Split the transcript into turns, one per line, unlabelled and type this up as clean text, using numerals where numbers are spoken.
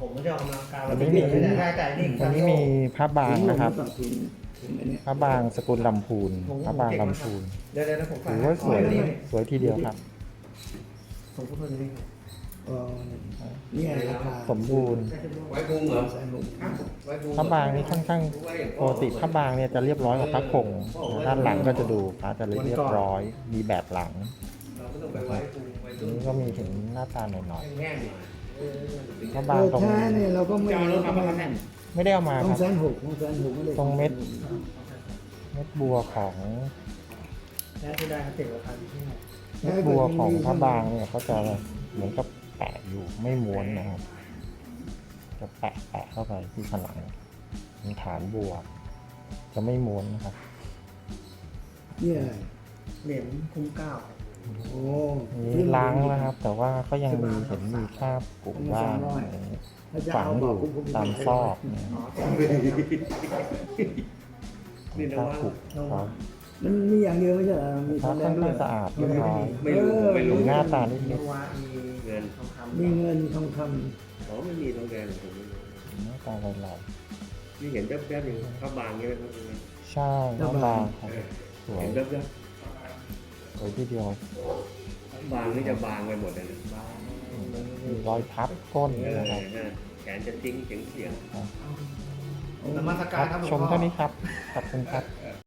ผมไม่ได้ออกกำลังกาย
วันนี้มี
ได้แต่นี่
วันนี้มีพระบางนะครับพระบางสกุลลำพูนพระบางลำพูน
เดี๋ยวผม
ถือว่าสวยสวยทีเดียวครับ
ผมพูดเลย
นี่ไงราคา
สมบูรณ์
ไว้พุงเหรอ
แสนหก
พระบางนี่ค่อนข้างปกติพระบางเนี่ยจะเรียบร้อยกว่าพระคงด้านหลังก็จะดูพระจะเรียบร้อย มีแบบหลัง
เราไม่ต้องไปไว้พุงไว้
อันนี้ก็มีเห็นหน้าตาหน่อย
แห้ง
ๆพระบาง
เออ
ตรง
แท้เนี่ยเราก็ไม่
จะเอารถมาประกัน
ไม่ได้เอามา
ต้อ
ค
ง
รับ
แสนหกต้องแสนหกไม่ได้
ตรงเม็ดบัวของ
แท้ที่ได้เขาติดราคาที่ไหน
เม็ดบัวของพระบางเนี่ยเขาจะเหมือนกับแปะอยู่ไม่ม้วนนะครับ จะแปะเข้าไปที่ผนังเป็นฐานบัว จะไม่ม้วนนะครับ
นี่อะไร
เหรียญคุ้มเก้า
โอ้
นี่ล้างแล้วครับ แต่ว่าก็ยังมีเห็นมีคราบกลุ่มว่างฝังอยู่ตามซอกเนี่ย
อ๋อ
ของคราบผุครับ
มันมีอย่างเดียวไม่ใช่เหรอมี
ค
ท
รั
อบ งแด
ค่อง น
ด้ว
ข้าย งสะอาดเรียบร้อย
ไม่รู้ผมไม่
ห
รู้
น้าตานิ
มี
ด
วามี
เงิน
ทองคำ
มีเงินทองค
อ๋อไม่มีทองแดงผมไม่รู้
ๆหน้าตาลอย
ที่เห็นแป๊บๆอยู่ข้าวบางนี่ไหมครับ
ๆใช่หน้าบางครับสวย
เห็นแป๊บ
สวยทีเดียว
ๆบางนี่จะบางไปหมดเลยนะ
มีรอยพับก้น
เออ
นะครับ
แขนจะติ้งเฉียง
นมัส
ค
การ
รับ
ครับหลวง
ชม
พ่อ
เท่านี้ครับ ขอบคุณครับ